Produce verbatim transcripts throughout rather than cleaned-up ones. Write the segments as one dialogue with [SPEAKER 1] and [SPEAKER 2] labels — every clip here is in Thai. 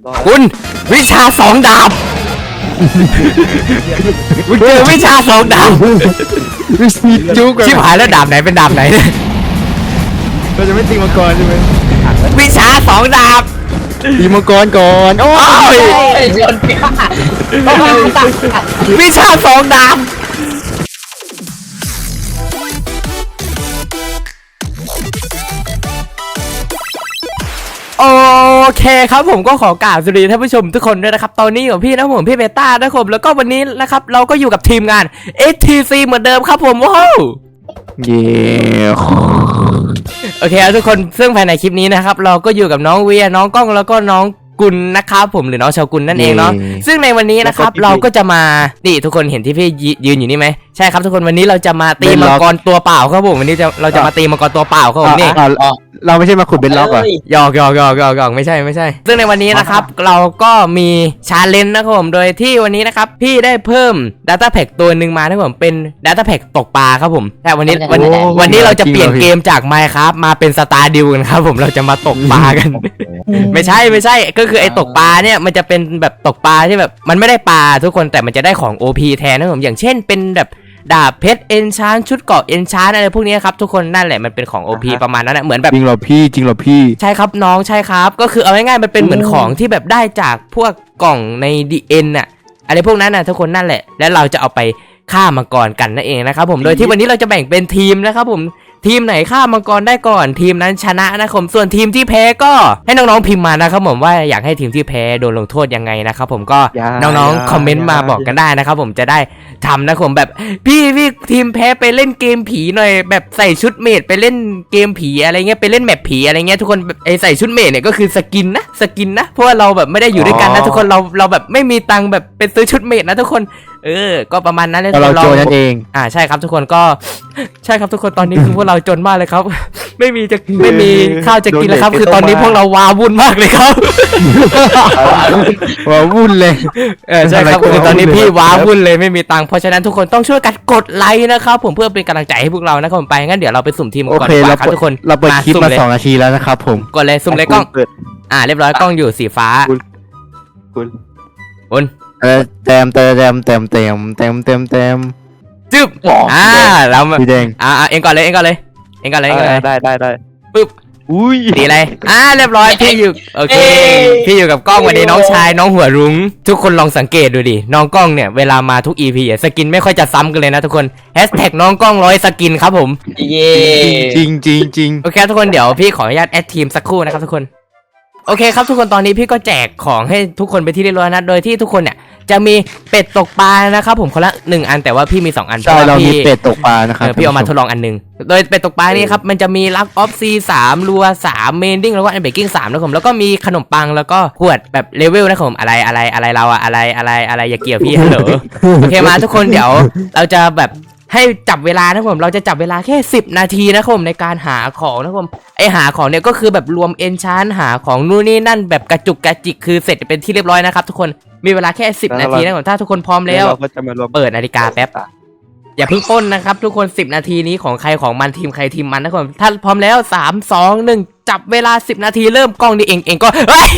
[SPEAKER 1] คุณวิชาสองดาบคุณเจอวิชาสองดาบ
[SPEAKER 2] จุก
[SPEAKER 1] ชิบหายแล้วดาบไหนเป็นดาบไหนเนี่ย
[SPEAKER 2] เราจะไม่ตีมังกรใช่ไหม
[SPEAKER 1] วิชาสองดาบ
[SPEAKER 2] ตีมังกรก่อนโอ้ย
[SPEAKER 3] ชนกัน
[SPEAKER 1] วิชาสองดาบโอเคครับผมก็ขอกราบสวัสดีท่านผู้ชมทุกคนด้วยนะครับตอนนี้อยู่กับพี่นะผมพี่เบต้านะครับแล้วก็วันนี้นะครับเราก็อยู่กับทีมงาน เอส ที ซี เหมือนเดิมครับผมว้าว
[SPEAKER 2] เย่
[SPEAKER 1] โอเคครับทุกคนซึ่งภายในคลิปนี้นะครับเราก็อยู่กับน้องเวียน้องก้องแล้วก็น้องกุลนะครับผมหรือน้องชาวกุลนั่นเองเนาะซึ่งในวันนี้นะครับเราก็จะมานี่ทุกคนเห็นที่พี่ยืนอยู่นี่ไหมใช่ครับทุกคนวันนี้เราจะมาตีมังกรตัวเปล่าครับผมวันนี้จะเราจะมาตีมังกรตัวเปล่าครับผมนี่
[SPEAKER 2] เราไม่ใช่มาขุดเบนล็อกอ่ะ
[SPEAKER 1] หยอกหยอกหยอกหยอกหยอกไม่ใช่ไม่ใช่ซึ่งในวันนี้นะครับเราก็มีชาเลนจ์นะครับผมโดยที่วันนี้นะครับพี่ได้เพิ่ม Data Pack ตัวหนึ่งมานะครับผมเป็น Data Pack ตกปลาครับผมแต่วันนี้วันวันนี้เราจะเปลี่ยนเกมจาก Minecraft มาเป็น Stardew กันครับผมเราจะมาตกปลากัน ไม่ใช่ไม่ใช่ก็คือไอ้ตกปลาเนี่ยมันจะเป็นแบบตกปลาที่แบบมันไม่ได้ปลาทุกคนแต่มันจะได้ของ โอ พี แทนนะครับผมอย่างเช่นเป็นแบบดาบเพชรเอนชานชุดเกราะเอนชานอะไรพวกนี้ครับทุกคนนั่นแหละมันเป็นของ โอ พี ประมาณนั้นแหละเหมือนแบบ
[SPEAKER 2] จริงเหรอพี่จริงเหรอพี่
[SPEAKER 1] ใช่ครับน้องใช่ครับก็คือเอาง่ายๆมันเป็นเหมือนของที่แบบได้จากพวกกล่องใน ดี เอ็น น่ะอะไรพวกนั้นน่ะทุกคนนั่นแหละแล้วเราจะเอาไปฆ่ามังกรกันนั่นเองนะครับผมโดยที่วันนี้เราจะแบ่งเป็นทีมนะครับผมทีมไหนฆ่ามังกรได้ก่อนทีมนั้นชนะนะครับผมส่วนทีมที่แพ้ก็ให้น้องๆพิมพ์มานะครับผมว่าอยากให้ทีมที่แพ้โดนลงโทษยังไงนะครับผมก็น้องๆคอมเมนต์มาบอกกันได้นะครับผมจะได้ทำนะครับผมแบบพี่พี่ทีมแพ้ไปเล่นเกมผีหน่อยแบบใส่ชุดเมดไปเล่นเกมผีอะไรเงี้ยไปเล่นแมปผีอะไรเงี้ยทุกคนไอใส่ชุดเมดเนี่ยก็คือสกินนะสกินนะเพราะว่าเราแบบไม่ได้อยู่ด้วยกันนะทุกคนเราเราแบบไม่มีตังค์แบบไปซื้อชุดเมดนะทุกคนเออก็ประมาณนั้นเลย
[SPEAKER 2] เราโจรนั่นเอง
[SPEAKER 1] อ่าใช่ครับทุกคนก็ใช่ครับทุกคนตอนนี้คือพวกเราจนมากเลยครับ ไม่มีจะไม่มีข้าวจะกินแล้วครับคือตอนนี้พวกเราว้าวุ่นมากเลยครับ
[SPEAKER 2] ว้าวุ่นเลย
[SPEAKER 1] เออใช่ครับคือตอนนี้พี่ว้าวุ่นเลยไม่มีตังค์เพราะฉะนั้นทุกคนต้องช่วยกันกดไลค์นะครับผมเพื่อเป็นกำลังใจให้พวกเรานะครับผมไปงั้นเดี๋ยวเราไปสุ่มทีมก่อนดีกว่าครับทุกคน
[SPEAKER 2] เราเปิดคลิปมา
[SPEAKER 1] สุ่
[SPEAKER 2] สองนาทีแล้วนะครับผม
[SPEAKER 1] กดเลยสุ่มเลยกล้องอ่าเรียบร้อยกล้องอยู่สีฟ้า
[SPEAKER 2] คุณ
[SPEAKER 1] คุณ
[SPEAKER 2] เออเต็มเต็มเต็มเต็มเต็มเต็มเต็มเต็ม
[SPEAKER 1] จึ๊บอ่าเรา
[SPEAKER 2] สีแดง
[SPEAKER 1] อ่าเองก่อนเลยเองก่อนเลยเองก่อนเลยเองก่อนเลย
[SPEAKER 2] ได้ได้ได้
[SPEAKER 1] ปึ๊บ
[SPEAKER 2] อุ้ย
[SPEAKER 1] สีอะไรอ่าเรียบร้อยพี่อยู่โอเคพี่อยู่กับกล้องวันนี้น้องชายน้องหัวรุ้งทุกคนลองสังเกตดูดิน้องกล้องเนี่ยเวลามาทุก อี พี อ่ะสกินไม่ค่อยจะซ้ำกันเลยนะทุกคนแฮชแท็กน้องกล้องร้อยสกินครับผม
[SPEAKER 3] เย่
[SPEAKER 2] จริงจริงจริง
[SPEAKER 1] โอเคทุกคนเดี๋ยวพี่ขออนุญาตแอดทีมสักครู่นะครับทุกคนโอเคครับทุกคนตอนนี้พี่ก็แจกของให้ทุกคนไปที่เรียบร้อยนะโดยที่ทุกคนเนี่ยจะมีเป็ดตกปลานะครับผมคนละหนึ่งอันแต่ว่าพี่มีสองอัน
[SPEAKER 2] ใช่เรามี
[SPEAKER 1] พี่
[SPEAKER 2] เป็ดตกปลานะครับ
[SPEAKER 1] เออพี่เอามาทดลองอันหนึงโดยเป็ดตกปลานี่ครับมันจะมีลักออฟซีสามรัวสามเมนดิ้งแล้วก็อันเบกกิ้งสามนะครับผมแล้วก็มีขนมปังแล้วก็ขวดแบบเลเวลนะครับผมอะไรอะไรอะไรเราอะอะไรอะไรอะไรอย่าเกี่ยวพี่ฮัลโหลโอเคมาทุกคนเดี๋ยวเราจะแบบให้จับเวลานะครับผมเราจะจับเวลาแค่สิบนาทีนะครับผมในการหาของนะครับผมไอหาของเนี่ยก็คือแบบรวมเอนชานหาของนู่นนี่นั่นแบบกระจุกกระจิกคือเสร็จเป็นที่เรียบร้อยนะครับทุกคนมีเวลาแค่สิบนาทีนะครับถ้าทุกคนพร้อมแล้ว
[SPEAKER 2] เราก็จะมารวม
[SPEAKER 1] เปิดนาฬิกาแป๊บอย่าเพิ่งปล้นนะครับทุกคนสิบนาทีนี้ของใครของมันทีมใครทีมมันนะครับถ้าพร้อมแล้วสาม สอง หนึ่งจับเวลาสิบนาทีเริ่มกล้องนี่เองเองก็เฮ้ย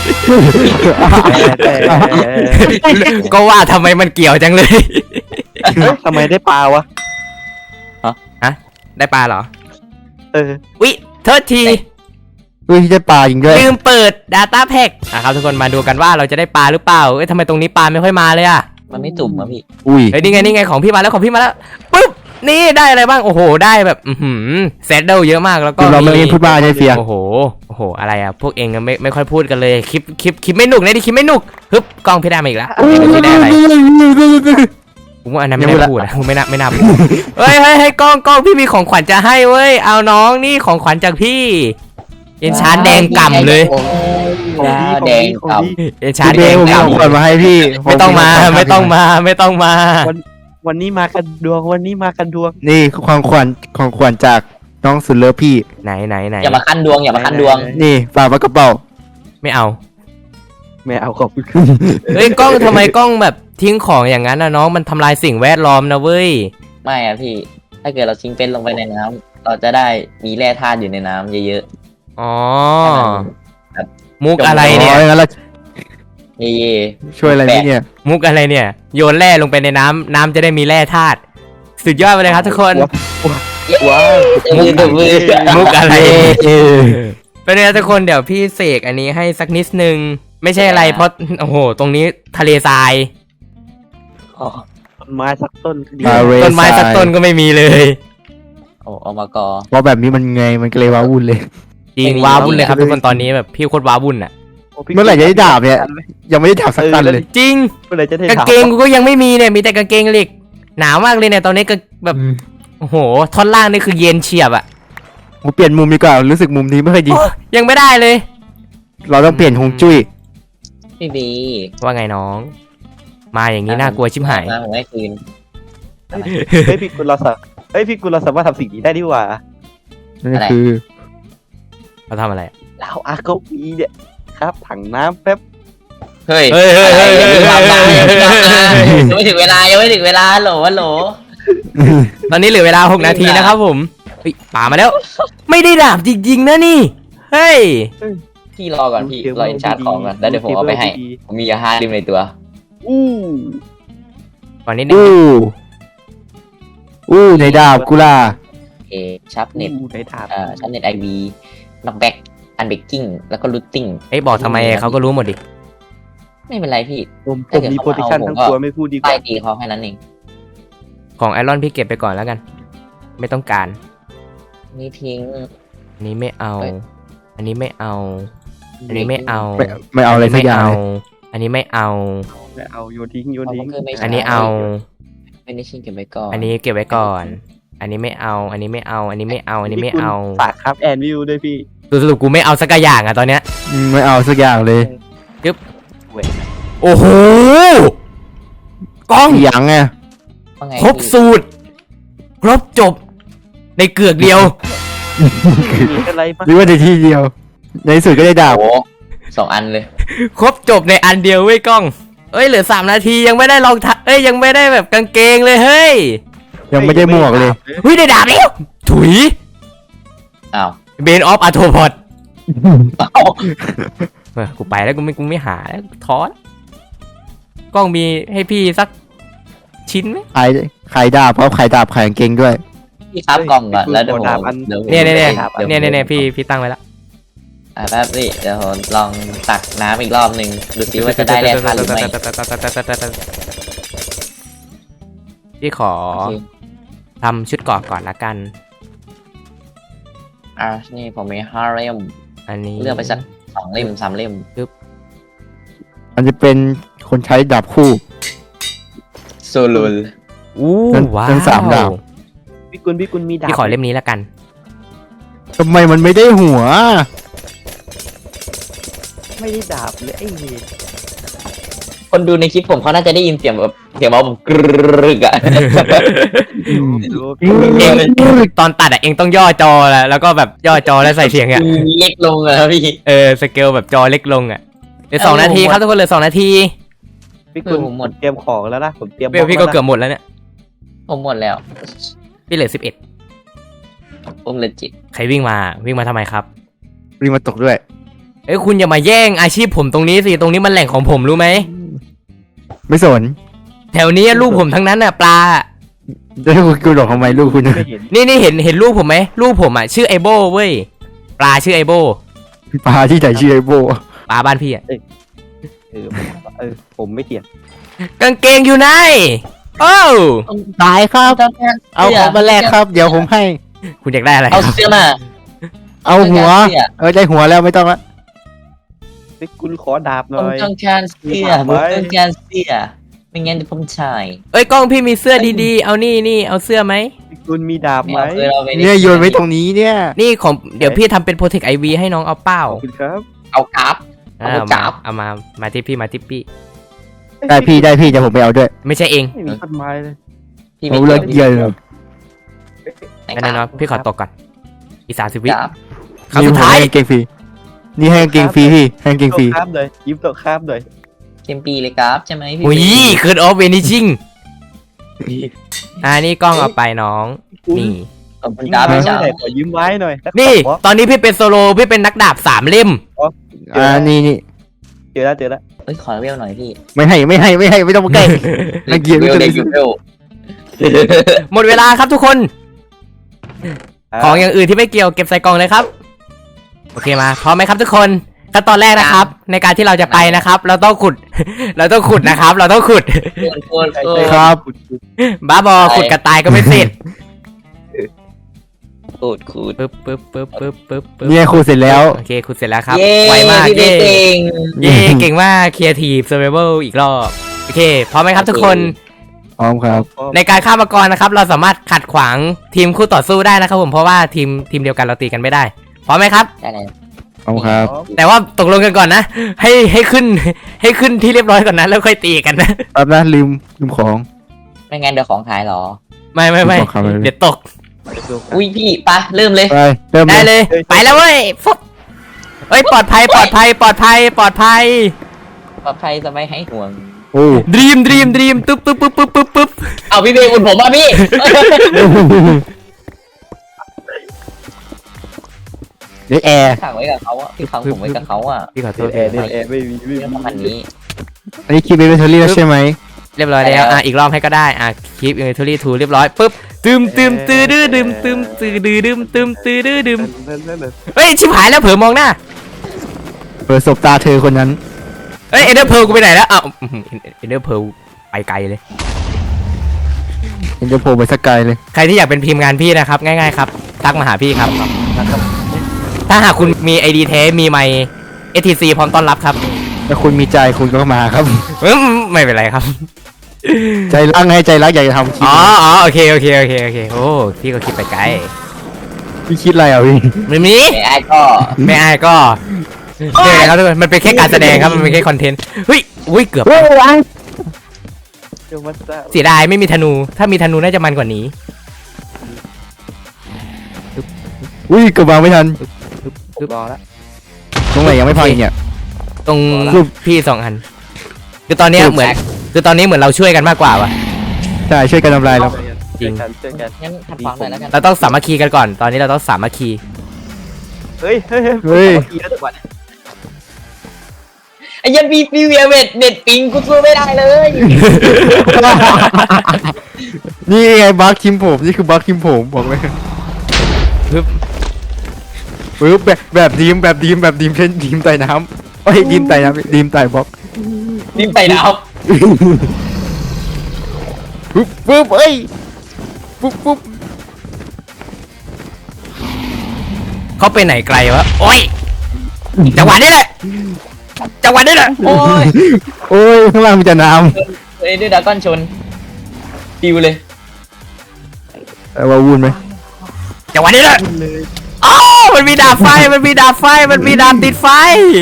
[SPEAKER 1] ก็ว่าทำไมมันเกี่ยวจังเลย
[SPEAKER 2] ทำไมได้ปลาวะ
[SPEAKER 1] ฮะได้ปลาเหรอ
[SPEAKER 2] เออ
[SPEAKER 1] วิเทิร์ที
[SPEAKER 2] เฮ้ยได้ปลาจริงด้วย
[SPEAKER 1] ลืมเปิด Data Pack นะครับทุกคนมาดูกันว่าเราจะได้ปลาหรือเปล่าเอ้ยทำไมตรงนี้ปลาไม่ค่อยมาเลยอะ
[SPEAKER 3] มันไม่จุ่มอะพี่
[SPEAKER 2] อุ้ย
[SPEAKER 1] เฮ้ยนี่ไงนี่ไงของพี่มาแล้วของพี่มาแล้วปุ๊บนี่ได้อะไรบ้างโอ้โหได้แบบอือหือเซตเดิลเยอะมากแล้วก็
[SPEAKER 2] เราไม่ได้พูดบ้าใช่เฟีย
[SPEAKER 1] โอ้โหโอ้โหอะไรอะพวกเองไม่ไม่ค่อยพูดกันเลยคลิปคลิปคลิปไม่หนุกนะดิคลิปไม่หนุกฮึบกล้องพี่ได้มาอีกแล้วพี่ได้อะไรผมว่าอันนั้นไม่น่าพูดอะไม่น่าไม่น่าพูดเฮ้ยเฮ้ยให้กล้องกล้องพี่มีของขวัญจะให้เว้ยเอาน้องนี่ของขวัญจากพี่เอ็นชาร์แดงก่ำเลย
[SPEAKER 3] แดงก่
[SPEAKER 1] เอ็นชาร์
[SPEAKER 2] พี่
[SPEAKER 1] แด
[SPEAKER 2] เบ
[SPEAKER 1] ง
[SPEAKER 2] ลผมมีของขวัญ
[SPEAKER 1] ก่ำ
[SPEAKER 2] มาให้พี่
[SPEAKER 1] ไม่ต้องมาไม่ต้องมาไม่ต้องมา
[SPEAKER 4] วันนี้มากันดวงวันนี้มากันดวง
[SPEAKER 2] นี่ของขวัญของขวัญจากน้องสุดเลิฟพี่
[SPEAKER 1] ไหนไหนไหน
[SPEAKER 3] อย่ามาคันดวงอย่ามาคันดวง
[SPEAKER 2] นี่ฝากไว้กระเป๋า
[SPEAKER 1] ไม่เอา
[SPEAKER 4] ไม่เอาขอบคุณ
[SPEAKER 1] เฮ้ยกล้องทำไมกล้องแบบทิ้งของอย่างนั้นนะน้องมันทำลายสิ่งแวดล้อมนะเว้ย
[SPEAKER 3] ไม่อะพี่ ถ้าเกิดเราทิ้งเป็นลงไปในน้ำเราจะได้มีแร่ธาตุอยู่ในน้ำเยอะ
[SPEAKER 1] อ๋อ
[SPEAKER 3] ๆให้มัน
[SPEAKER 1] มุกอะไรเนี่ย
[SPEAKER 2] อ๋องั้นเรา
[SPEAKER 3] นี่
[SPEAKER 2] ช่วยอะไรไหมเนี่ย
[SPEAKER 1] มุกอะไรเนี่ย โยนแร่ลงไปในน้ำน้ำจะได้มีแร่ธาตุสุดยอดไปเลยครับทุกคน
[SPEAKER 4] ว้าว
[SPEAKER 3] มือตัวมือ
[SPEAKER 1] มุกอะไร
[SPEAKER 2] เออ
[SPEAKER 1] เป็นไงทุกคนเดี๋ยวพี่เสกอันนี้ให้สักนิดนึงไม่ใช่อะไรเพราะโอ้โหตรงนี้ทะเลทราย
[SPEAKER 3] อ๋อ
[SPEAKER 4] ต้นไม้สักต้นก็ดี
[SPEAKER 2] มาเร
[SPEAKER 1] ต้นไม้สักต้นก็ไม่มีเลย
[SPEAKER 3] โอ้เอามากอ
[SPEAKER 2] เพราะแบบนี้มันไงมันก็เลยว้าวุ่นเลย
[SPEAKER 1] จริง
[SPEAKER 3] ไม่มี
[SPEAKER 1] ว้าวุ่นเลยครับทุกคนตอนนี้แบบพี่โคตรว้าวุ่นอ่ะ
[SPEAKER 4] โพี่
[SPEAKER 2] เมื่อไหร่จะได้ดาบเนี่ย ยังไม่ได้ดาบสักตันเลย
[SPEAKER 1] จริง
[SPEAKER 4] เมื่อไหร่จะได้
[SPEAKER 1] กาง
[SPEAKER 4] ดาบ
[SPEAKER 1] เกงกูก็ยังไม่มีเนี่ยมีแต่กางเกงเหล็กหนาวมากเลยเนี่ยตอนนี้ก็แบบโอ้โหท่อนล่างนี่คือเย็นเฉียบอ่ะ
[SPEAKER 2] ผมเปลี่ยนมุมดีกว่ารู้สึกมุมนี้ไม่ค่อยดี
[SPEAKER 1] โอ้ยังไม่ได้เลย
[SPEAKER 2] เราต้องเปลี่ยนฮวงจุ้ย
[SPEAKER 3] พี่บี
[SPEAKER 1] ว่าไงน้อง มาอย่างนี้น่ากลัวชิบหาย
[SPEAKER 3] มาผมให้คืน
[SPEAKER 4] เฮ้ยพี่กุลเราสามเฮ้ยพี่กุลเราสามารถทำสิ่งนี้ได้ดีกว่า
[SPEAKER 2] นั่นคือ
[SPEAKER 1] เขาทำอะไร
[SPEAKER 4] เราอาเก้าอี้เนี่ยครับถังน้ำแป๊บ
[SPEAKER 3] เฮ้ย
[SPEAKER 1] เฮ้ยเฮ้ยเฮ้ยเฮ้ย
[SPEAKER 3] ยังไม่
[SPEAKER 1] เฮ้ย
[SPEAKER 3] ทำได้
[SPEAKER 1] เฮ้
[SPEAKER 3] ยัง
[SPEAKER 1] ย
[SPEAKER 3] ไม่ทำได้
[SPEAKER 1] เฮ้ย
[SPEAKER 3] ยังไม่ถึงเวลายังไม่ถึงเวลาโหลโหล
[SPEAKER 1] ตอนนี้เหลือเวลาหกนาทีนะครับผมเฮ้ยป่ามาแล้ว ไม่ได้ดาบจริงๆนะนี่เฮ้ย
[SPEAKER 3] พี่รอก่อนพี่รออินชาร์จของก่อนแล้วเดี๋ยวผมเอาไปให้ผมมียาฮาริมในตัว
[SPEAKER 4] อู้
[SPEAKER 1] ก่อนนิดนึง
[SPEAKER 2] อู้อู้ในดาบกุลา
[SPEAKER 3] เอชับเน็ต
[SPEAKER 4] อู้ได้ดาบ
[SPEAKER 3] เอ่อชับเน็ตไอวีน็อกแบ็กอันเบกกิ้งแล้วก็รูทติ้ง
[SPEAKER 1] เอ้ยบอกทำไมเขาก็รู้หมดดิ
[SPEAKER 3] ไม่เป็นไรพี่
[SPEAKER 4] ผมผมมีโปรเทคชั่นทั้งตัวไม่พูดดีก
[SPEAKER 3] ป้า
[SPEAKER 4] ว่าย
[SPEAKER 3] ตีเขาแค่นั้นเอง
[SPEAKER 1] ของไอรอนพี่เก็บไปก่อนแล้วกัน ไม่ต้องการ
[SPEAKER 3] นี่ทิ้ง
[SPEAKER 1] อันนี้ไม่เอา
[SPEAKER 3] เอ้ย
[SPEAKER 1] อันนี้ไม่เอา อันนี้ไม่เอา
[SPEAKER 2] ไม่ไม่เอาอะไรสักอย่างเลย
[SPEAKER 1] อันนี้ไม่เอา
[SPEAKER 4] ไม่เอาโยนทิ้งโยนทิ้ง
[SPEAKER 1] อันนี้เอา
[SPEAKER 3] ไม่ได้ชิงเก็บไว้ก่อน
[SPEAKER 1] อันนี้เก็บไว้ก่อน อันนี้ไม่เอา อันนี้ไม่เอา อันนี้ไม่เอา อันนี้ไม่เอา
[SPEAKER 4] ฝากครับแอนวิวด้วยพี่
[SPEAKER 1] สรุปกูไม่เอาสักอย่างอะตอนเนี้ย
[SPEAKER 2] อืมไม่เอาสักอย่างเลย
[SPEAKER 1] โอ้โห กล้อง
[SPEAKER 2] อีหยังไง
[SPEAKER 3] ว่าไง
[SPEAKER 1] ครบสูตร ครบจบ ในเกือกเดียว
[SPEAKER 4] มีอะไรบ้าง
[SPEAKER 2] หรือว่าในที่เดียว ในที่สุดก็ได้ดาบ
[SPEAKER 3] โอ้สองอันเลย
[SPEAKER 1] ครบจบในอันเดียวเว้ยกล้อง เอ้ยเหลือสามนาทียังไม่ได้ลองทเอ้ยยังไม่ได้แบบกางเกงเลยเฮ้ย
[SPEAKER 2] ยังไม่ได้หมวกเลย
[SPEAKER 1] เฮ้ยได้ดาบแล้วถุย
[SPEAKER 3] อ้าว
[SPEAKER 1] เบนออฟอะโทพอดกูไปแล้วกูไม่กูไม่หาแล้วท้อนกล้องมีให้พี่สักชิ้นไหม
[SPEAKER 2] ขายขายดาบเพราะขายดาบขายกางเกงด้วย
[SPEAKER 3] พี่ครับกล่องก่อนแล้วเดี๋ยวผมเดี๋ยวผม
[SPEAKER 1] เนี่ยเนี่ยเนี่ย
[SPEAKER 3] ดี๋วผม
[SPEAKER 1] เนี่ยเนี่ยเนี่ยพี่พี่ตั้งไว้แล้ว
[SPEAKER 3] อ่ะแป๊บพี่เดี๋ยวผมลองตักน้ำอีกรอบหนึ่งดูซิว่าจะได้แร่ธาตุหรือไม่
[SPEAKER 1] พี่ขอ
[SPEAKER 3] โอเค
[SPEAKER 1] ทำชุดเกราะก่อนละกัน
[SPEAKER 3] อ่ะนี่ผมมีห้าเล่ม
[SPEAKER 1] อันนี้
[SPEAKER 3] เลือกไปสักสองเล่มสามเล่ม
[SPEAKER 2] มันจะเป็นคนใช้ดาบคู่
[SPEAKER 3] โซลูล
[SPEAKER 1] อู้
[SPEAKER 2] นั่น
[SPEAKER 1] ว้า
[SPEAKER 2] นั่นสามดาว ว
[SPEAKER 4] พี่กุลพี่กุลมีดาบ
[SPEAKER 1] พี่ขอเล่มนี้ละกัน
[SPEAKER 2] ทำไมมันไม่ได้หัว
[SPEAKER 4] ไม่ได้ดาบเลยไอ้เหี้ย
[SPEAKER 3] คนดูในคลิปผมเขาน่าจะได้ยินเสียงแบบเสียงเบาผมกรึกอะ
[SPEAKER 4] ดู
[SPEAKER 1] เองตอนตัดอะเองต้องย่อจอแล้วแล้วก็แบบย่อจอแล้วใส่เสียงอะ
[SPEAKER 3] เล็กลงอะพี่
[SPEAKER 1] เออสเกลแบบจอเล็กลงอะเหลือสองนาทีครับทุกคนเหลือสองนาที
[SPEAKER 4] พี่กุลผมหมดเตรียมของแล้วนะผมเตรียม
[SPEAKER 1] เบลพี่ก็เกือบหมดแล้วเนี่ย
[SPEAKER 3] ผมหมดแล้ว
[SPEAKER 1] พี่เหลือสิบเอ็ด
[SPEAKER 3] ผมเลยจิต
[SPEAKER 1] ใครวิ่งมาวิ่งมาทำไมครับ
[SPEAKER 2] รีบมาตกด้วย
[SPEAKER 1] เอ้ยคุณอย่ามาแย่งอาชีพผมตรงนี้สิตรงนี้มันแหล่งของผมรู้ไหม
[SPEAKER 2] ไม่สน
[SPEAKER 1] แถวนี้ลูกผมทั้งนั้นน่ะปลา
[SPEAKER 2] จะให้คุณหลอกทำไมลูกคุณ
[SPEAKER 4] ไม่เห็น
[SPEAKER 1] นี่นี่เห็นเห็นลูกผมไหมลูกผมอ่ะชื่อไอโบเว้ยปลาชื่อไอโบ
[SPEAKER 2] ปลาที่ไหนชื่อไอโบ
[SPEAKER 1] ปลาบ้านพี่อ่ะ
[SPEAKER 4] เออเออผมไม่เถียง
[SPEAKER 1] กางเกงอยู่ไหนโอ้ว
[SPEAKER 2] ตายครับ เอาของมาแลกครับ เดี๋ยวผมให้
[SPEAKER 1] คุณอยากได้อะไรค
[SPEAKER 3] เอา
[SPEAKER 1] รับ
[SPEAKER 3] เสื้อมา
[SPEAKER 2] เอาหัว เออได้หัวแล้วไม่ต้องละ
[SPEAKER 4] พี่กุลขอดาบห
[SPEAKER 3] ผ
[SPEAKER 4] น่
[SPEAKER 3] ม
[SPEAKER 4] อย
[SPEAKER 3] ต้องการเสื้อผมต้องการเสื้อไม่งั้นจะผมชาย
[SPEAKER 1] เอ้ยกล้องพี่มีเสื้อดีๆเอานี่นี่เอาเสื้อไหม
[SPEAKER 4] พี่กุลมีดาบไหม
[SPEAKER 3] เอาเสื้อเราไป
[SPEAKER 2] เนี่ยโยนไว้ตรงนี้เนี่ย
[SPEAKER 1] นี่ของเดี๋ยวพี่ทำเป็นโปรเทคไอวีให้น้องเอาเป้า
[SPEAKER 4] ขอบคุณครับ
[SPEAKER 3] เอากราฟ
[SPEAKER 1] อ่า
[SPEAKER 3] เอา
[SPEAKER 1] เอา
[SPEAKER 3] จั
[SPEAKER 1] มา
[SPEAKER 3] บ
[SPEAKER 1] เอามามาที่พี่มาที่พี่
[SPEAKER 2] ได้พี่ได้พี่เดี๋ยวผมไปเอาด้วย
[SPEAKER 1] ไม่ใช่เอง
[SPEAKER 4] ไม่มีต้นไม้เลย
[SPEAKER 3] พี่
[SPEAKER 2] เอาเลิกเกียร์เลย
[SPEAKER 1] งั้นนะเนาะพี่ขอตกก่อนอีกสามสิบวิ
[SPEAKER 3] กราฟ
[SPEAKER 1] ครั้งสุดท้าย
[SPEAKER 2] นี่ผมให้กางเกงฟรีนี่ให้กางเกงฟรีพี่ให้กางเกงฟรี
[SPEAKER 4] โต๊ะข้ามเลยยิ้มโต๊ะข้ามเลย
[SPEAKER 3] เต็มปีเลยกราฟใช่ไหมพี่
[SPEAKER 1] อุ้ยเคิร์ดออฟเวนิชิงอ่านี่กล้องเอาไปน้อง นี่
[SPEAKER 3] ขอบคุณ
[SPEAKER 4] ยิ้ม
[SPEAKER 3] กราฟ
[SPEAKER 4] ไว้
[SPEAKER 3] พี่
[SPEAKER 4] ห
[SPEAKER 3] ชา
[SPEAKER 4] น่อยขอยิ้มไว้หน่อยแล้ว
[SPEAKER 1] นี่
[SPEAKER 4] ขอ
[SPEAKER 1] ตอนนี้พี่เป็นโซโลพี่เป็นนักดาบสามเล่ม
[SPEAKER 2] อ่านี่นี่
[SPEAKER 4] เจอแล้วเจอแล้ว
[SPEAKER 3] เอ้ยขอเวลหน่อยพี่
[SPEAKER 2] ไม่ให้ไม่ให้ไม่ให้ไม่ต้องมาใกล้นักเกียรติ
[SPEAKER 3] เวล
[SPEAKER 2] เล
[SPEAKER 3] เด็
[SPEAKER 2] ย
[SPEAKER 3] กอยู่เวล
[SPEAKER 1] หมดเวลาครับทุกคน ของอย่างอื่นที่ไม่เกี่ยวเก็บใส่กล่องเลยครับโอเคมาพร้อมไหมครับทุกคนขั้นตอนแรกนะครับ ในการที่เราจะไปนะครับ เราต้องขุด เราต้องขุดนะครับ เราต้องขุด
[SPEAKER 3] ควรควร
[SPEAKER 4] ใช่
[SPEAKER 3] คว
[SPEAKER 4] ใช่
[SPEAKER 3] ร
[SPEAKER 2] ครับ
[SPEAKER 1] บ้าบอขุดกระต่ายก็ไม่เสร็จ
[SPEAKER 3] ขูดขูด
[SPEAKER 1] ปึ๊บปึ๊บปึ๊บปึ๊บปึ๊บปึ๊บ
[SPEAKER 2] เนี่ยครูเสร็จแล้ว
[SPEAKER 1] โอเคขุดเสร็จแล้วครับ
[SPEAKER 3] เย้
[SPEAKER 1] ไวมาก
[SPEAKER 3] พี่
[SPEAKER 1] เย่
[SPEAKER 3] เก่ง
[SPEAKER 1] เย่เก่งมากครีเอทีฟเซอร์ไวเวลอีกรอบโอเคพร้อมไหมครับทุกคน
[SPEAKER 2] พร้อมครับ
[SPEAKER 1] ในการฆ่ามังกรนะครับ เราสามารถขัดขวางทีมคู่ต่อสู้ได้นะครับผมเพราะว่าทีมทีมเดียวกันเราตีกันไม่ได้พร้อมไหมครับ
[SPEAKER 3] ได้เลย
[SPEAKER 2] พร้อมครับ
[SPEAKER 1] แต่ว่าตกลงกันก่อนนะ ให้ให้ขึ้น ให้ขึ้นที่เรียบร้อยก่อนนะแล้วค่อยตีกันนะ
[SPEAKER 2] แป๊บนะลืมลืมของ
[SPEAKER 3] ไม่งั้นเดี๋ยวของหายหรอ
[SPEAKER 1] ไม่ไม่ไม่
[SPEAKER 2] ขอคำเลย
[SPEAKER 1] เดี๋ยวตก
[SPEAKER 3] อุ้ยพี่ปะเริ่มเลย
[SPEAKER 2] ไปเริ่ม
[SPEAKER 1] ได้
[SPEAKER 2] เลย
[SPEAKER 1] เลย ไปแล้วเว้ยฟุบเอ้ยปลอดภัยปลอดภัยปลอดภัยปลอดภัย
[SPEAKER 3] ปลอดภัยสบายให้ห่วง
[SPEAKER 2] โอ้
[SPEAKER 1] ดรีมดรีมดรีมตึ๊บตึ๊บปึ๊บปึ๊บปึ๊บปึ๊บ
[SPEAKER 3] เอาพี่เบย์อุ่นผมอ่ะพี่
[SPEAKER 2] เดี๋ยวแอร์
[SPEAKER 3] ขังไว้กับเขาอ่ะพี่ขังผมไว้กับเขาอ่ะ
[SPEAKER 1] พี่ขอโทษ
[SPEAKER 4] แอร์เนี่ยแอร์ไม่มีไม่
[SPEAKER 3] เรื่อง
[SPEAKER 4] มี
[SPEAKER 3] ประมาณนี้
[SPEAKER 2] อันนี้คิดเป็นเบทเทอรี่แล้วใช่ไหม
[SPEAKER 1] เรียบร้อยแล้วอ่ะอีกรอบให้ก็ได้อ่ะคลิปอินเวนทอรี่ทูเรียบร้อยปึ๊บตึมตึมตื้อดื้อดึมตึมตื้อดื้อดึมตึมตื้อดื้อดึม
[SPEAKER 4] นั่นนั่นนั่น
[SPEAKER 1] เฮ้ยชิบหายแล้วเผลอมองหน้า
[SPEAKER 2] เปิดศพตาเธอคนนั้น
[SPEAKER 1] เฮ้ยเอเดอร์เพลกูไปไหนแล้วอ้าวเอเดอร์เพลไปไกลเลย
[SPEAKER 2] เห็นจะโผล่ไปสักไกลเลย
[SPEAKER 1] ใครที่อยากเป็นทีมงานพี่นะครับ ง่ายๆครับทักมาหาพี่ครับ ถ้าหากคุณมี ไอ ดี แท้มีไมค์ เอ ที ซี พร้อมต้อนรับครับ
[SPEAKER 2] ถ้าคุณมีใจคุณก็มาครับ
[SPEAKER 1] อืมไม่เป็นไรครับ
[SPEAKER 2] ใจรักไงใจรักอยากจะทำคลิป
[SPEAKER 1] อ๋ออ๋อโอเคโอเคโอเคโอเคโอ้พี่ก็คิดไปไกล
[SPEAKER 2] พี่คิดอะไรอ่ะพี่
[SPEAKER 1] ไม่มี
[SPEAKER 3] ไอ้ไอ้ก็
[SPEAKER 1] ไม่อายก็เดี๋ยวนะครับทุกคนมันเป็นแค่การแสดงครับมันเป็นแค่คอนเทนต์เฮ้ยอุ้ยเกือบ
[SPEAKER 2] เฮ้ยอะไร
[SPEAKER 4] เดี๋ยวมาซะ
[SPEAKER 1] เสียดายไม่มีธนู ถ้ามีธนูน่าจะมันกว่านี้
[SPEAKER 2] อุ้ยเกือบวางไม่ทัน
[SPEAKER 4] ผมรอละ
[SPEAKER 2] ตรงไหนยังไม่พังอีกเนี่ย
[SPEAKER 1] ตรง
[SPEAKER 2] รูป
[SPEAKER 1] พี่สองอันคือตอนเนี้ยเหมือนคือตอนนี้เหมือนเราช่วยกันมากกว่าวะ
[SPEAKER 2] ใช่ช่วยกันทำลายเรา
[SPEAKER 1] จริง
[SPEAKER 4] เจอกันเจอกัน
[SPEAKER 3] งั้นทำฟังหน่อยแล้วกัน
[SPEAKER 1] เราต้องสามัคคีกันก่อน ตอนนี้เราต้องสามัคคี
[SPEAKER 4] เฮ้ยเฮ้ยเฮ้ย
[SPEAKER 2] เฮ้ย
[SPEAKER 4] กี่แล้วจังหวะเนี่ย
[SPEAKER 3] ไอ้ยันพี่พี่เวียเวทเน็ตปิงกูสู้ไม่ได้เลย
[SPEAKER 2] นี่ไงบัคคิมผมนี่คือบัคคิมผมบอกเลย
[SPEAKER 1] ปึ๊บ
[SPEAKER 2] ปึ๊บแบบแบบดีมแบบดีมแบบดีมเช่นดีมไต่น้ำเอ้ยดีมไต่น้ำดีมไต่บล็อก
[SPEAKER 3] นิ่มไปแล้ว
[SPEAKER 2] ปึ๊บปึ๊บเอ้ยปึ๊บปึ๊บ
[SPEAKER 1] เขาไปไหนไกลวะ โอ้ย จังหวะนี้แหละ จังหวะนี้แหละ
[SPEAKER 3] โอ้ย
[SPEAKER 2] โอ้ยข้างล่างมีแต่น้
[SPEAKER 3] เอ้ยด้วยดราก้อนชนปิวเลย
[SPEAKER 2] ำแต่ว่าวุ่นไหม
[SPEAKER 1] จังหวะนี้แหละอ้าวมันมีดาบไฟ มันมีดาบไฟ มันมีดาบติดไฟ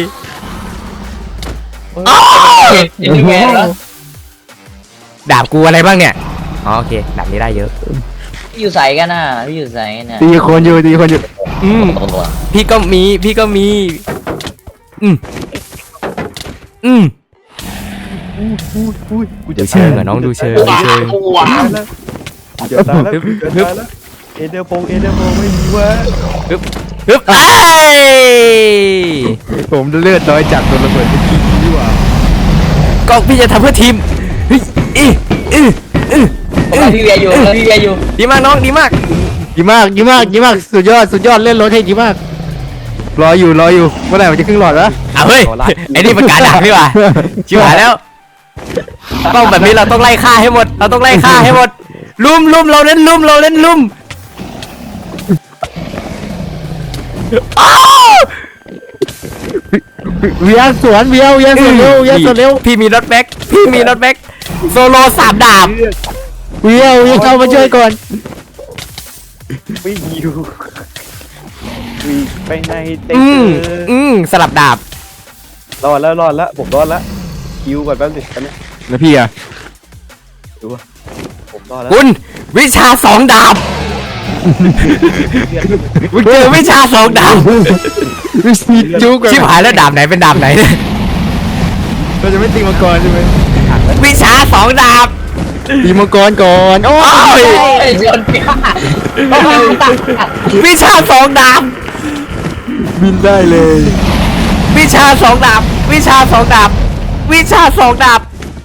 [SPEAKER 1] อ้าว
[SPEAKER 3] ยินดีแม่แล้ว
[SPEAKER 1] ดาบกูอะไรบ้างเนี่ย อ๋อโอเค ดาบนี้ได้เยอะ
[SPEAKER 3] พี่อยู่ใส่กันน่ะพี่อยู่ใส่กันน่ะ
[SPEAKER 2] ตีคนอยู่ตีคนอยู่
[SPEAKER 1] อืม
[SPEAKER 3] ตัวตัว
[SPEAKER 1] พี่ก็มี พี่ก็มี อืม อืม
[SPEAKER 4] อุ้ยอุ้ยกู
[SPEAKER 1] ดู
[SPEAKER 4] จะ
[SPEAKER 1] เชิงอะน้องดูเชิงดูเชิง
[SPEAKER 3] ว้า
[SPEAKER 4] ตายแล้วเดี๋ยวตายแล้วเดี๋ยวตายแล้วเอเดอร์โปงเอเดอร์โปงไม่มีวะ
[SPEAKER 1] ฮึบฮึบไอ้ย
[SPEAKER 2] ผมเลือดน้อยจากโดนระเบิดไปกี่ทีว่า
[SPEAKER 1] ก็พี่จะทำเพื่อทีมเฮ้ยอีอีอี
[SPEAKER 3] พี่เวียอยู่พี่เวียอยู่
[SPEAKER 1] ดีมากน้องดีมาก
[SPEAKER 2] ดีมากดีมากดีมากสุดยอดสุดยอดเล่นรถให้ดีมากรออยู่รออยู่เมื่อไหร่มันจะครึ่งหลอดวะ
[SPEAKER 1] อ่ะเฮ้ยไอ้นี่มันการดักนี่หว่าชิบหายแล้วต้องแบบนี้เราต้องไล่ฆ่าให้หมด เราต้องไล่ฆ่าให้หมดลุมลุมเราเล่นลุมเราเล่นลุมอ้าว
[SPEAKER 2] เวียสวนเวียเวียสวนเร็วเวียสวนเร็ว
[SPEAKER 1] พี่มีรถแบ็คพี่มีรถแบ็คโซโลสามดาบ
[SPEAKER 2] เวียเวียเข้ามาช่วยก่อน
[SPEAKER 4] วิ่งอยู่วิ่งไปในเต็
[SPEAKER 1] อืม
[SPEAKER 4] เจอ
[SPEAKER 1] อืมสลับดาบ
[SPEAKER 4] รอดแล้วรอดแล้วผมรอดแล้วคิวก่อนแป๊บนึงตอนนี้
[SPEAKER 2] แล้วพี่อะ
[SPEAKER 4] ดูว่าผมรอดแล้ว
[SPEAKER 1] คุณวิชาสองดาบคุณเจอวิชาสองดาบ
[SPEAKER 2] วิธีจุก
[SPEAKER 1] ชิบหายแล้วดาบไหนเป็นดาบไหนเนี่ย
[SPEAKER 2] เราจะไม่ตีมังกรใช่ไหม
[SPEAKER 1] วิชาสองดาบ
[SPEAKER 2] ตีมังกรก่อนโอ้
[SPEAKER 1] โอ้
[SPEAKER 2] ย
[SPEAKER 1] ย
[SPEAKER 3] ไอ้ชนพี่
[SPEAKER 1] วิชาสองดาบ
[SPEAKER 2] บินได้เลย
[SPEAKER 1] วิชาสองดาบ วิชาสองดาบวิชาสองดาบ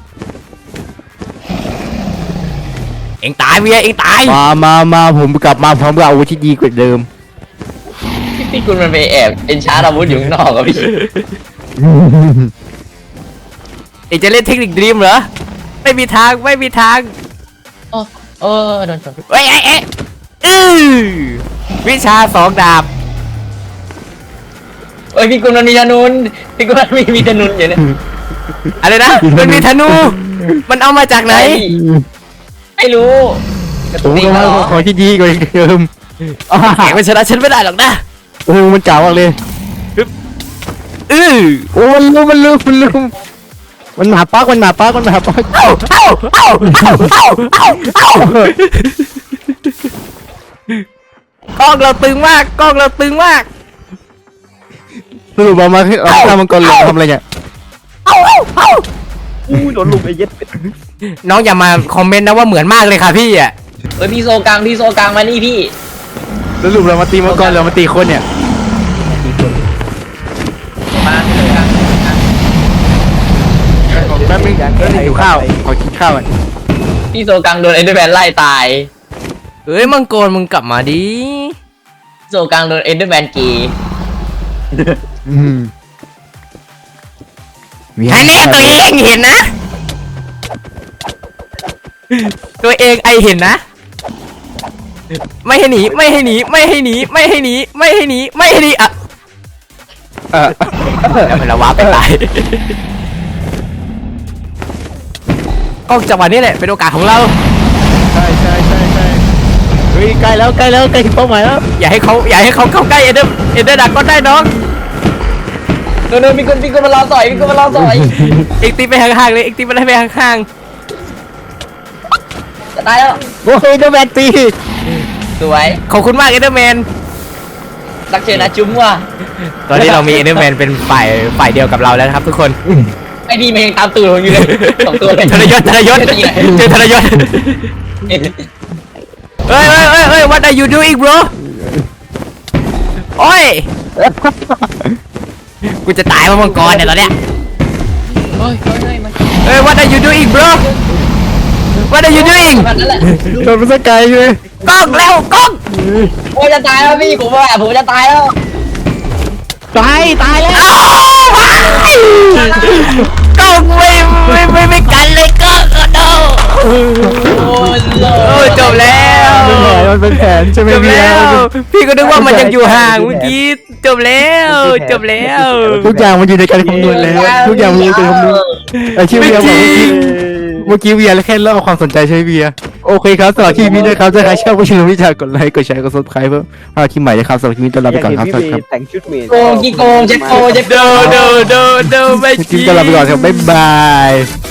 [SPEAKER 1] เอ็งตายเวียเอ็งตาย
[SPEAKER 2] มามามาผมกลับมาพร้อมกับอาวุธที่ดีกว่าเดิม
[SPEAKER 3] พี่พี่คุณมันไปแอบเอ็นชาร์อาวุธอยู่ข้างนอกอะพี่
[SPEAKER 1] เอ็งจะเล่นเทคนิคดรีมเหรอไม่มีทางไม่มีทาง
[SPEAKER 3] โอ้โอ้โดนชน
[SPEAKER 1] เอ้ยเอ้ยเอ้ยอื้อวิชาสองดาบ
[SPEAKER 3] เอ้ยพี่คุณมันมีธนูนพี่คุณมันมีมีธนูนอยู่เนี่ย
[SPEAKER 1] อะไรนะมันมีธนู มันเอามาจากไหน
[SPEAKER 3] ไม่รู้กระ
[SPEAKER 2] ผ
[SPEAKER 3] ตุ้
[SPEAKER 2] ม
[SPEAKER 3] น
[SPEAKER 2] ก็มา
[SPEAKER 3] เหรอ
[SPEAKER 2] ของที่ดีกว่าเดิมอ่า
[SPEAKER 1] แข่งมันชนะฉันไม่ได้หรอกนะ
[SPEAKER 2] โอ้มันจ๋ามากเลย
[SPEAKER 1] อื้อ
[SPEAKER 2] โอ้มันลืมมันลืมมันลืมมันหมาปักมันหมาปักมันหมาปัก
[SPEAKER 1] เอ้าเอ้าเอ้าเอ้าเอ้าเอ้าเอ้ากล้องเราตึงมากกล้องเราตึงมาก
[SPEAKER 2] สรุปมามาเอาข้ามังกรเหลืองทำอะไรเนี่ย
[SPEAKER 1] เอ้าเอ้าเอ้า
[SPEAKER 4] อู้โดนลุมไอ้เย็ดเป็ด
[SPEAKER 1] น้องอย่ามาคอมเมนต์นะว่าเหมือนมากเลยค่ะพี่อ่ะ
[SPEAKER 3] เอ้ยพี่โซกลางพี่โซกลางมานี่พี่
[SPEAKER 2] สรุปเรามาตีมังกรเรามาตีคนเนี่ย
[SPEAKER 3] มาพี่โซกลาง
[SPEAKER 2] แป๊บนึงเดี๋ยวหิวข้าวขอกินข้าวก่อน
[SPEAKER 3] พี่โซกลางโดนเอ็นเดอร์แมนไล่ตาย
[SPEAKER 1] เอ้ยมังกรมึงกลับมาดิ
[SPEAKER 3] โซกลางโดนเอ็นเดอร์แมนกี
[SPEAKER 2] อืม
[SPEAKER 1] ให้แน่ตัวเองเห็นนะ ตัวเองไอเห็นนะ ไม่ให้หนีไม่ให้หนีไม่ให้หนีไม่ให้หนีไม่ให้หนีไม่ให้หนีอ่ะ
[SPEAKER 2] เออ
[SPEAKER 1] แล้วมันละวาไปตายก็จังหวะนี้แหละเป็นโอกาสของเรา
[SPEAKER 2] ใช่ใช่ใช่ใช่เฮ้ยใกล้แล้วใกล้แล้วใกล้ถึงเป้าหมายแล้ว
[SPEAKER 1] อย่าให้เขาอย่าให้เขาเข้าใกล้เอเดอร์เอเดอร์ดักก็ได้น้อง
[SPEAKER 3] โดนโดนพี่คุณพี่คุณมารอต่อยพี่คุณมารอต่อย
[SPEAKER 1] เอ็กตีไปห่างๆเลยเอ็กตีไปไปห่าง
[SPEAKER 3] จะตายแล้ว
[SPEAKER 2] โอ้ยเดอะแมนตี
[SPEAKER 3] สวย
[SPEAKER 1] ๆขอบคุณมากเอเดอร์แมน
[SPEAKER 3] รักเชยนะจุ้มว่ะ
[SPEAKER 1] ตอนนี้เรามีเอเดอร์แมนเป็นฝ่ายฝ่ายเดียวกับเราแล้วนะครับทุกคน
[SPEAKER 3] ไอ้ดีมันยังตามตูดผมอยู่เลยสองตัวเลย
[SPEAKER 1] ทรยศทรยศเจอทรยศเฮ้ยเฮ้ยเฮ้ยเฮ้ย what are you doing bro โอ้ยกูจะตายเพราะมังกรเนี่ยตอนเนี้ย
[SPEAKER 3] เฮ้ยเฮ้ยเฮ้ยมัน
[SPEAKER 1] เฮ้ย what are you doing bro what are you doing
[SPEAKER 3] แบบนั้นแหละ
[SPEAKER 2] โดนมันสกายใช่ไหม
[SPEAKER 1] กล้องแล้วกล้อง
[SPEAKER 3] โอ้ยจะตายแล้วพี่ผมว่าผมจะตายแล้ว
[SPEAKER 2] ตายตายแล้ว
[SPEAKER 1] อ้าวกล้องไม่ไม่ไม่ไม่กันเลยกล้องก็โด
[SPEAKER 3] โอ้ยโล
[SPEAKER 1] โอ้ยจบแล้ว
[SPEAKER 2] มันเป็นแผนใช่ไหม
[SPEAKER 1] จบ
[SPEAKER 2] พี่
[SPEAKER 1] แล้ว พี่ก็นึกว่ามันยังอยู่ห่างเมื่อกี้จบแล้วจบแล้ว
[SPEAKER 2] ทุกอย่างมันอยู่ในการคำนวณแล้วทุกอย่างมันอยู่ในการคำนวณไอ้ที่เวียบอกเมื่อกี้เมื่อกี้เวียแค่เล่าความสนใจใช่ไหมเวียโอเคครับสำหรับคลิปนี้นะครับถ้าใครชอบก็ช่วยวิจารณ์กดไลค์กดแชร์กดซับสไครป์เพื่อพาคลิปใหม่นะครับสำหรับคลิปนี้ต้อนรับไปก่อนครับสวัสดีครับ
[SPEAKER 4] แต่งชุดเมด
[SPEAKER 3] โกงกี่โกงเจ็บโกงเจ็บโก
[SPEAKER 1] โด
[SPEAKER 3] ง
[SPEAKER 1] โดโดโดไม่
[SPEAKER 2] คลิปนี้ต้อนรับไปก่อนครับบ๊ายบาย